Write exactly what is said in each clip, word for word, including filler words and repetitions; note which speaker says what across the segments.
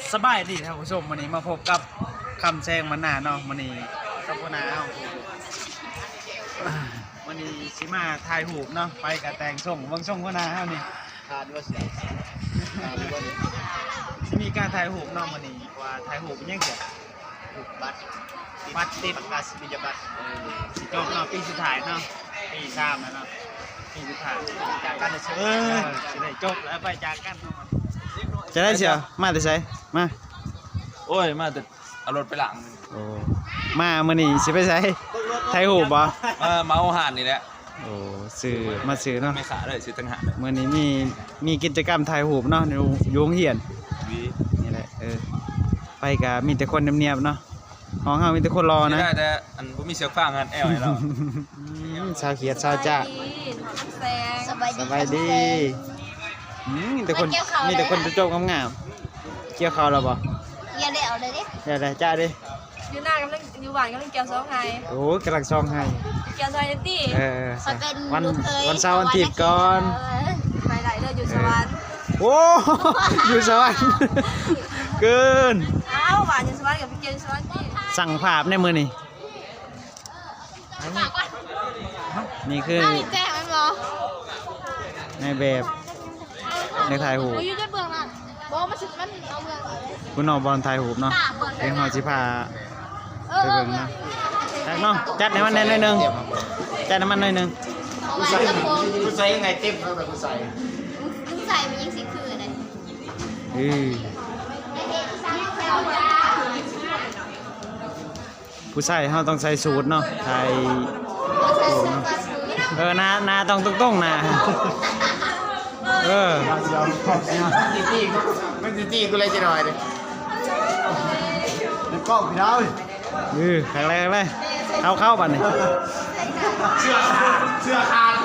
Speaker 1: สบายดีท่านผู้ชมวันนี้มาพบกับคำแซงมันหนาเนาะวันนี้กับพนาวันนี้สิมาถ่ายหูปเนาะไปกับแต่งส่งเบิ่งส่งพนาเฮานี่ทานว่าสิทานว่าสิมีการถ่ายหูปเนาะวันนี้ว่าถ่ายหูปเป็นยังไงหูปบัตรบัตรติดประกาศนียบัตรสิจบเนาะปีสุดท้ายเนาะปีสามแล้วเนาะปีสุดท้ายจากกันจะเออสิได้จบแล้วไปจากกันเนาะจะได้เชียวมาแต่ใช้มา
Speaker 2: โอ้ยมาแต่เอารถไปหลัง
Speaker 1: โอ้มาเมื่อนี้สิไปใช้ไทยหูบ่
Speaker 2: มาเมาห่านนี่แหละ
Speaker 1: โอ้ซื้อมาซื้อเนาะ
Speaker 2: ไม่ขาเลยซื้อตั้งหาก
Speaker 1: เมื่อนี้มีมีกิจกรรมไทยหูเนาะอยู่โรงเรียนนี่แหละเออไปกับมีแต่คนเนียบๆเนาะห้องเฮามีแต่คนรอนะ
Speaker 2: ได้แต่อันบ่มีเสียงฟังกันแอลให้เรา
Speaker 1: ชาวเขียดชาวจ้าสบายดีมีแต่คนมีแต่คนจะจบงามๆเกี่ยวเขาแล้วบ่
Speaker 3: เกี่ยวเดี๋ยวเลยดิ
Speaker 1: เดี๋ยวจ้าดิ
Speaker 3: อยู่หน้ากำลังอยู่บ้านกำลังเกี่ยวซองไห้
Speaker 1: โอ้กำลังซองไห้
Speaker 3: เกี่ยวซอยตี้
Speaker 1: เออวันวันเสาร์วันอาทิตย์ก่อน
Speaker 3: ไปไหนเลยอยู่สวรรค์
Speaker 1: โอ้อยู่สวรรค์เกิน
Speaker 3: อ้าวบ้านอยู่สวรรค์กับพี่เกี่ยวสวรรค์ตี้
Speaker 1: สั่งภาพในมือนี่นี่คือ
Speaker 3: แจ้งมันเหรอ
Speaker 1: ในแบบในถ่ายหู
Speaker 3: อยู่ในเบื้องนั้นบอกมาสิมันเอาเบื้อง
Speaker 1: คุณนอบอลถ่ายหูเนาะเองหอจิพาไปเบิ่งเนาะจัดเนาะจัดให้มันหน่อยนึงจัดให้มันหน่อยนึง
Speaker 3: กูใส่
Speaker 1: กูใส่ยังไงเต็มแล้วแต่กูใส่
Speaker 3: กูใส่มันยิ่งสิคืออะไร
Speaker 1: อือผู้ใส่เขาต้องใส่สูทเนาะใส่เออหน้าหน้าต้องตรงๆนะเออจีจี้มันจีจี้กูเลยจะหน่อยดิแล้วก็พี่น้อยอือแข็งแรงเลยเข้าเข้าบัดนี่เสื้อขาดเสื้อขาด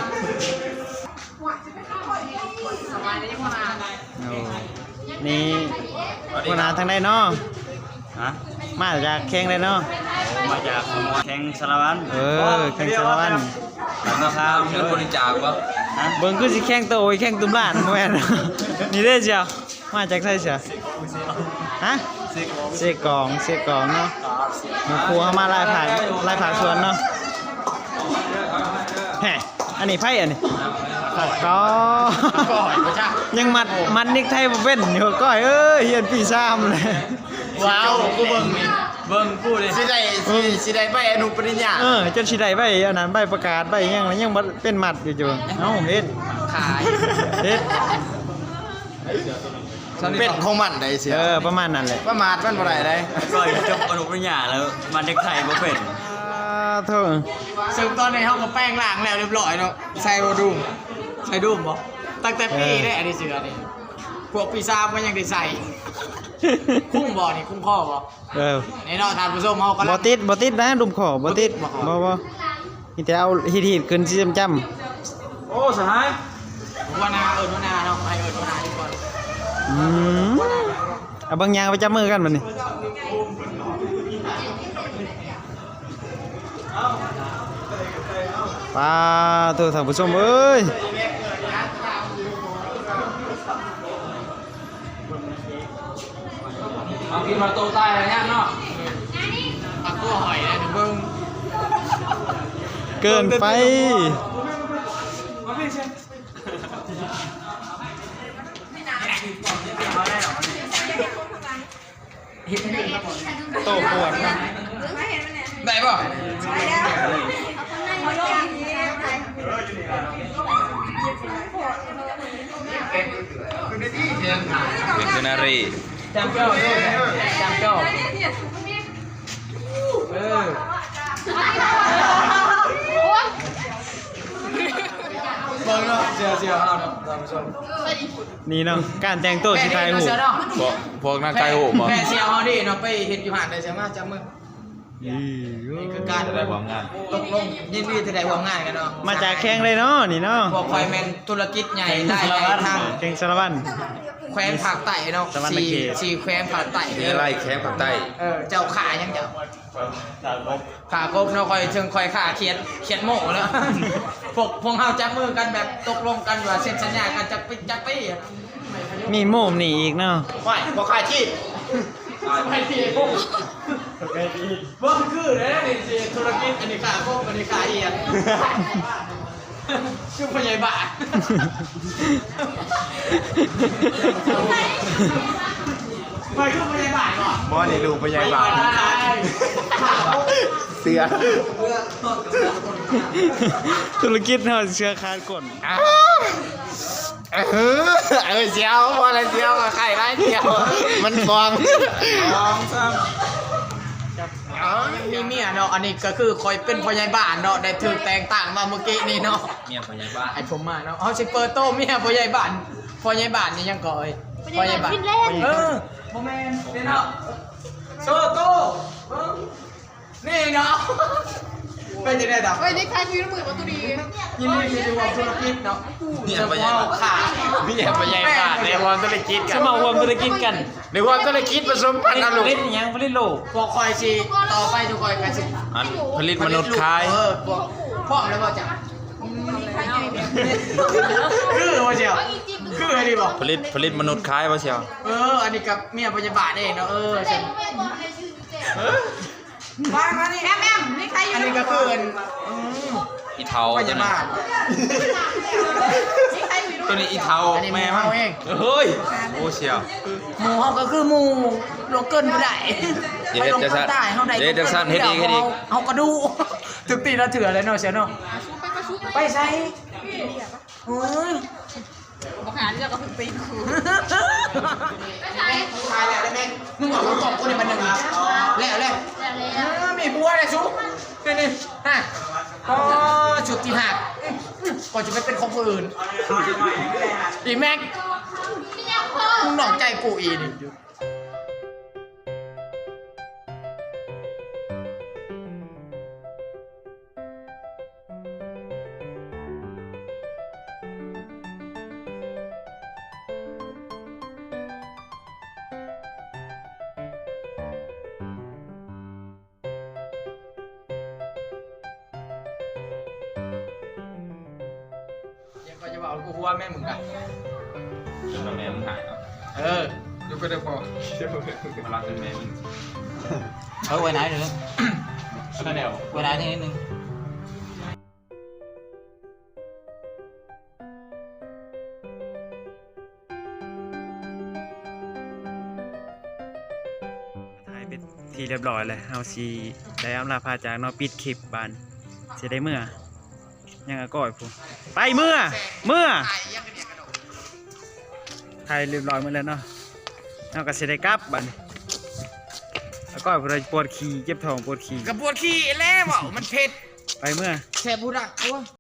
Speaker 1: นี่คนหาทางใดเนาะมาจากแข้งได้เนาะ
Speaker 4: มาจากแข่งสารวัตร
Speaker 1: เออแข้งสารวัตร
Speaker 2: แล้วก็ข้าวเงินบริจาคป่ะ
Speaker 1: เบิ่งคือสิแข้งโตแข้งตุ้มล้านแม่นนี่เด้อเจ้ามาจากไสเสียฮะเสกองเสกองเนาะหมู่ครูเฮามาลายผ่านลายผ่านสวนเนาะแฮะอันนี้ไผอันนี้ก็ยังมัดมัดนิกไทยบ่เป็นอยู่ก้อยเอ้ยเฮียนปีสามเลย
Speaker 4: ว้าวกูเบิ่งนี่เบิ่งกูเลยสิได้สิได้ใบอนุปริญญา
Speaker 1: เออจนสิได้ใบอันนั้นใบประกาศใบยังยังบ่เป็นมัดอยู่จังเอ้าเฮ็ด
Speaker 4: ขาย
Speaker 1: เฮ็ด
Speaker 4: เป็นของมันได้สิ
Speaker 1: เออประมาณนั้นแหละ
Speaker 4: ประมาทมันบ่ได้ได้
Speaker 2: ก็จบอนุปริญญาแล้วมันเด็กไทยบ่เป็น
Speaker 1: เท่า
Speaker 4: ซึ่งตอนนี้เฮาก็แป้งล้างแล้วเรียบร้อยเนาะใส่บ่ดุมใส่ดุมบ่ตั้งแต่ปีได้อันนี้เสือนี่พวกปีศาจมันยังได้ใส่คุ้มบ่นี่คุ้มข้อบ่
Speaker 1: เออ
Speaker 4: ในเนาะท่านผู้ชมเฮาก็
Speaker 1: บ่ติดบ่ติดนะดุมข้อบ่ติดบ่บ่มีแต่เอาฮีดๆขึ้นสิจำ
Speaker 2: ๆโอ้สหาย
Speaker 4: ว่านาเอิ้นว่านาเนาะให้เอิ้นว่านาดีกว่า
Speaker 1: อืมเอาบางอย่างไปจับมือกันบัดนี้ป้าตัวท่านผู้ชมเอ้ย
Speaker 2: เอากินมาโตใต้อะไรเนี่ยเนาะ
Speaker 4: ปักตัวหอยนะเบิ่ง
Speaker 1: เกินไปโตปวดนะ
Speaker 4: ได้ป่ะ
Speaker 2: เป็นเทนารี
Speaker 4: จำเจ้าด้วยจำเจ้าเออเบิ่งเนาะเสียเสียเอาเนาะท่านผู้ชม
Speaker 1: นี่เนาะการแต่งตัวสิไทยหู
Speaker 2: พวกนักไทยหูบ่
Speaker 4: แม่เสียเอาดิเนาะไปเฮ็ดอยู่หาดได้ใช่มั้ยจับมือนี่คือการ
Speaker 2: ได้ร่วมงาน
Speaker 4: ตกลงยินดีที่ได้ร่วมงานกันเนาะ
Speaker 1: มาจากแข้งเลยเนาะนี่เนาะ
Speaker 4: พวกคอยแมนธุรกิจใหญ่ได้ทาง
Speaker 1: แข้งสารวัตร
Speaker 4: แขวงภาคใต้เนาะสี่สี่แขวงภาคใต้
Speaker 2: มีอะไรแขวงภาคใต้
Speaker 4: เออเจ้าขายังเจ้าขากบเนาะคอยเชิงคอยขาเขียนเขียนโม่แล้วพวกพวกเฮาจับมือกันแบบตกลงกันว่าเซ็นสัญญากันจักปีจักปี
Speaker 1: มีโม่นี่อีกเนาะ
Speaker 4: ไม่บ่ขาดที่ไปที่พวกว่าคือเลยนะนี่สิธุรกิจอันนี้ขาพวกอันนี้ขาเอียงชื่อพยาบาลไปคือพยาบาลก่อน
Speaker 1: บ่นี่ดูพยาบาลเสือธุรกิจเฮาเสือขาดก่อนเออเออเจียวบ่อะไรเจียวกับไข่ไรเจียวมันฟองฟองซ้ำ
Speaker 4: มีเมียเนาะอันนี้ก็คือคอยเป็นพยาบาลเนาะได้ถูกแต่งต่างมาเมื่อกี้นี่เนาะ
Speaker 2: เมียพยาบาล
Speaker 4: ไอผมมาเนาะเอาสิเปิดโตเมียพยาบาลพยาบาลนี่ยังก่อย
Speaker 3: พยาบาลฟินแลนด์
Speaker 4: เออโมเมนต์นี่เนาะโซโต้นี่เนาะเป็นยังไงดอก
Speaker 3: เฮ้ยนี่ใครมีมือประตูดี
Speaker 4: ยินดีที่ได้ร่วมธุรกิจเนาะ
Speaker 2: เมียพยาบาล
Speaker 4: ขา
Speaker 1: เมียพยาบาลในวงธุรกิจกัน
Speaker 5: สมาคมธุรกิจกัน
Speaker 1: ในวงธุรกิจผสมพันธุ์อารม
Speaker 5: เล่น
Speaker 1: ณ์
Speaker 5: อิหยังผลิตโลก
Speaker 4: พวกคอยสิต่อไปทุกคอยกันสิ
Speaker 2: อันผลิตมนุษย์คาย
Speaker 4: เออพวกพ่อมแล้วก็จะคือว่าเชียวคืออะไรดีบอก
Speaker 2: ผลิตผลิตมนุษย์คายป่ะเชียว
Speaker 4: เอออันนี้กับเมียพยาบาลเองเนาะเออใช่มามานี่
Speaker 3: แอมแอมนี่ใครอยู่
Speaker 4: อันนี้ก็คืออันอืม
Speaker 2: อีเทา
Speaker 4: พ
Speaker 2: ตัวย
Speaker 4: า
Speaker 2: นั้น
Speaker 4: บาล
Speaker 3: นี่ใครอยู่
Speaker 2: ตัวนี้อีเทา
Speaker 4: อันนี้
Speaker 2: แม่
Speaker 4: แม่
Speaker 2: มั้ง
Speaker 4: เขาเอง
Speaker 2: เฮ้ยโอ้เชียว
Speaker 4: หมูเขาก็คือหมูโลเกินบ่ได้
Speaker 2: อย่าเฮ็ดจังซั่น
Speaker 4: ไปลงใต้เฮาได้
Speaker 2: อย่าเฮ็ดจังซั่นเฮ็ดอีกเฮ็ดอีก
Speaker 4: เฮาก็ดูถึกตีละเถื่อเลยเนาะเสียเนาะไปใส่โอ้ย
Speaker 3: บอกหาเรื่องกับคุณปีนคู
Speaker 4: ตายแล้วได้ไหมมึงบอกว่าตบกูนี่มันหนึ่งแล้วแล้วแล้ว
Speaker 3: แล้ว
Speaker 4: เออมีบัวเลยชุบนี่นี่ฮะอ๋อชุดที่หักก่อนจะไปเป็นของคนอื่นอีแม็กมึงหนอกใจกูอีนี่ ยังก็จะบอกกูว่าแม่มึงกัน
Speaker 2: แม่มึงหายเนาะ
Speaker 4: เออดูก็ได้พอ
Speaker 2: มารักเป็นแม่มึง
Speaker 5: เออไว้ไหนเดี๋ยว
Speaker 2: ก็เดี๋ยว
Speaker 5: ไว้ไหนนิดนึง
Speaker 1: ถ่ายเป็นทีเรียบร้อยเลยเฮาสิได้อำลาพาจากเนาะปิดคลิปบานสิได้เมื่อยังอะก้อยพูไปเมื่อเมื่อถ่ายเรียบร้อยหมดแล้วเนาะเฮาก็สิได้กลับบานอะก้อยพูดปวดขี้เจ็บท้องปวดขี้
Speaker 4: กระปวดขี้แล้วบอกมันเผ็ด
Speaker 1: ไปเมื่อ
Speaker 4: แค่พูดอ่ะโอ้ย